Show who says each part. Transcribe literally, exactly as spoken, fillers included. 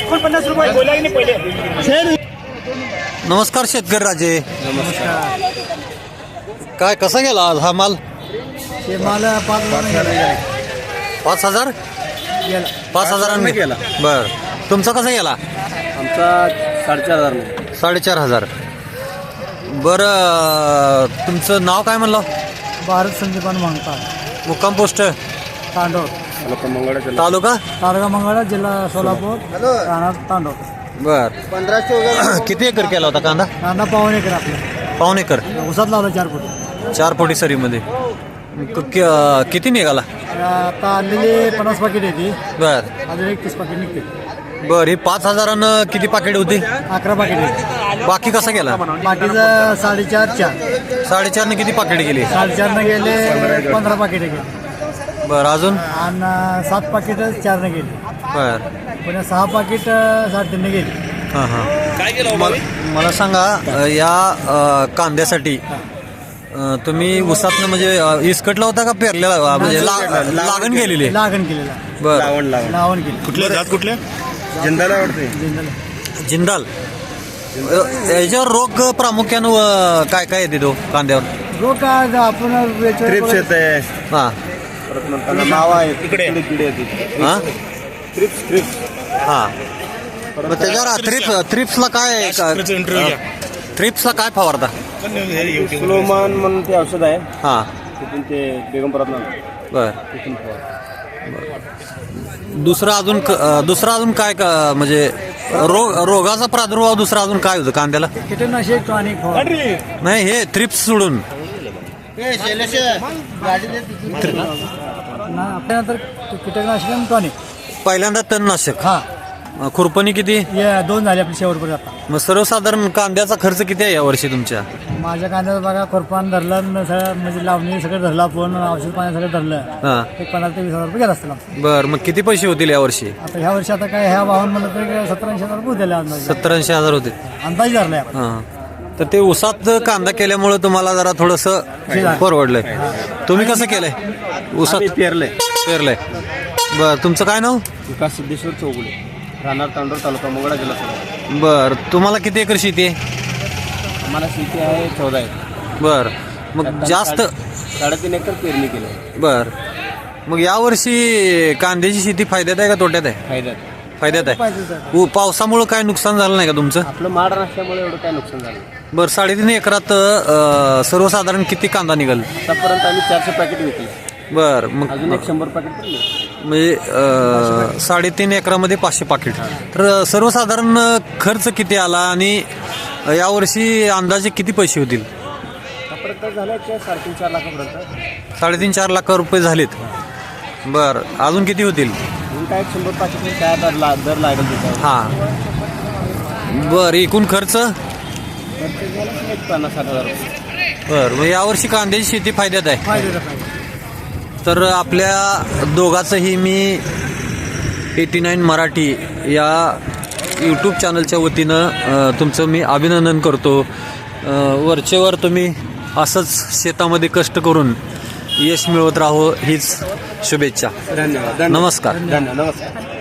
Speaker 1: एकोणपन्नास रुपये बोला की नाही पहिले.
Speaker 2: नमस्कार शेतकरी राजे. काय कसा गेला आज हा माल?
Speaker 1: मला पाच
Speaker 2: पाच हजार पाच हजारांनी
Speaker 3: गेला.
Speaker 2: बर तुमचा कसा गेला?
Speaker 3: आमचा साडेचार हजार
Speaker 2: साडेचार हजार. बरं तुमचं नाव काय म्हणलं?
Speaker 1: भारत संदीपान मागता
Speaker 2: मुक्काम पोस्ट
Speaker 1: तांडव
Speaker 2: तालुका
Speaker 1: तारगा मंगळा जिल्हा सोलापूर राहणार तांडव.
Speaker 2: बर
Speaker 3: पंधराशे
Speaker 2: किती एकर केला होता कांदा?
Speaker 1: कांदा पावन एकर आपला
Speaker 2: पाऊन एकर
Speaker 1: उसात लावला चार फूट.
Speaker 2: चार पोटी सरीमध्ये क- क- किती निघाला?
Speaker 1: आता आणलेली पन्नास पाकिट येते
Speaker 2: बर
Speaker 1: अजून एक तीस पाकिट निघते.
Speaker 2: बर ही पाच हजारानं किती पाकिट होती?
Speaker 1: अकरा पाकिट येते.
Speaker 2: बाकी कसा गेला?
Speaker 1: बाकीचं साडेचार चार
Speaker 2: साडेचारने किती पाकिट गेली?
Speaker 1: साडेचारनं गेले पंधरा पाकिट गेले
Speaker 2: बर अजून
Speaker 1: आणि सात पाकिट चारनं गेले.
Speaker 2: बर
Speaker 1: पुन्हा सहा पाकिट साडेतीनने गेले.
Speaker 2: हां हां मल- मला सांगा अ, या अ, कांद्यासाठी अ, तुम्ही उसातनं म्हणजे अ, इसकटला होता का पेरलेला अ, म्हणजे ला- लागण गेलेली?
Speaker 1: लागण केलेला
Speaker 2: बर
Speaker 3: लावण लावण
Speaker 1: लावण केली
Speaker 3: कुठले जात कुठले जिंदाला वाटते
Speaker 2: जिंदाल. अ, याच्यावर रोग प्रामुख्यानं अ, काय काय येते तो कांद्यावर?
Speaker 1: रोग काय आपण वेचवर-
Speaker 3: ट्रिप्स येते
Speaker 2: हां
Speaker 3: परत म्हणताना नाव आहे इकडे किडे येते
Speaker 2: हां
Speaker 3: ट्रिप्स ट्रिप्स
Speaker 2: हां मग त्याच्यावर थ्रिप्स थ्रिप्सला काय थ्रिप्सला काय फवारता?
Speaker 3: स्लोमान म्हणून ते औषध आहे
Speaker 2: हां
Speaker 3: तिथून ते बेगमपुरात
Speaker 2: बर
Speaker 3: तिथून फवार.
Speaker 2: दुसरं अजून क- अ, दुसरं अजून काय का- म्हणजे रोग रोगाचा प्रादुर्भाव दुसरा अजून काय होतं कांद्याला?
Speaker 1: कीटकनाशक टॉनिक फवारणी.
Speaker 2: नाही हे थ्रिप्स सोडून
Speaker 1: ना आपल्यानंतर कीटकनाशक आणि टॉनिक.
Speaker 2: पहिल्यांदा तणनाशक.
Speaker 1: हा
Speaker 2: अ, खुरपणी किती?
Speaker 1: हे दोन झाले आपले शेवटपर्यंत. आता
Speaker 2: मग सर्वसाधारण कांद्याचा खर्च किती आहे यावर्षी तुमच्या?
Speaker 1: माझ्या कांद्याचं बघा खुरपान धरलं न सगळं म्हणजे लावणी सगळं धरलं आपण औषध पाणी सगळं धरलं
Speaker 2: हां
Speaker 1: एक पंधरा ते वीस हजार रुपये गेला असतील आमचं.
Speaker 2: बर मग किती पैसे होतील यावर्षी?
Speaker 1: आता ह्या वर्षी आता काय ह्या वाहन म्हणलं तर सत्तर ऐंशी हजार रुपये दिले अंदाज
Speaker 2: सत्तर ऐंशी हजार होते.
Speaker 1: अंदाज धरलाय आपण.
Speaker 2: हां तर ते उसात कांदा केल्यामुळे तुम्हाला जरा थोडंसं परवडलंय. तुम्ही कसं केलंय? उसात
Speaker 3: आम्ही पेरले
Speaker 2: पेरलंय. बर तुमचं काय नाव?
Speaker 3: विकास सिद्धेश्वर चौगुले राहणार तांडूर तालुका मंगळा जिल्हा सोलापूर.
Speaker 2: बर तुम्हाला किती एकर शेती आहे?
Speaker 3: आम्हाला शेती आहे चौदा एकर.
Speaker 2: बर मग जास्त
Speaker 3: साडेतीन एकर पेरणी केली
Speaker 2: बर मग यावर्षी कांद्याची शेती फायद्यात आहे का तोट्यात आहे?
Speaker 3: फायद्यात.
Speaker 2: फायद्यात आहे.
Speaker 1: पाहिजे सर.
Speaker 2: उ- पावसामुळं काय नुकसान झालं नाही का तुमचं?
Speaker 3: आपलं माड नसल्यामुळे एवढं काय नुकसान झालं नाही.
Speaker 2: बर साडेतीन एकरात अ, सर्वसाधारण किती कांदा निघाल?
Speaker 3: आतापर्यंत आम्ही चारशे पॅकेट विकले
Speaker 2: बर मग
Speaker 3: अजून एक शंभर पॅकेट पडले.
Speaker 2: म्हणजे अ, साडेतीन एकरामध्ये पाचशे पाकिट. तर सर्वसाधारण खर्च किती आला आणि यावर्षी अंदाजे किती पैसे होतील?
Speaker 3: आतापर्यंत झालं की साडेतीन चार लाखापर्यंत.
Speaker 2: साडेतीन चार लाख रुपये झालेत. बर अजून किती होतील?
Speaker 3: अजून काय एक शंभर पॅकेट काय दर ला दर लागेल त्याच्यावर.
Speaker 2: हां बर एकूण खर्च?
Speaker 3: खर्च झाला की एक पन्नास साठ हजार रुपये.
Speaker 2: बर मग यावर्षी कांद्याची शेती फायद्यात आहे.
Speaker 1: फायद्याचं पाहिजे.
Speaker 2: तर आपल्या दोघांचंही मी एटी नाईन मराठी या यूट्यूब चॅनलच्या वतीनं अ, तुमचं मी अभिनंदन करतो. अ, वरचेवर तुम्ही असंच शेतामध्ये कष्ट करून यश मिळवत राहो हीच शुभेच्छा.
Speaker 3: धन्यवाद.
Speaker 2: नमस्कार.
Speaker 3: धन्यवाद. नमस्कार.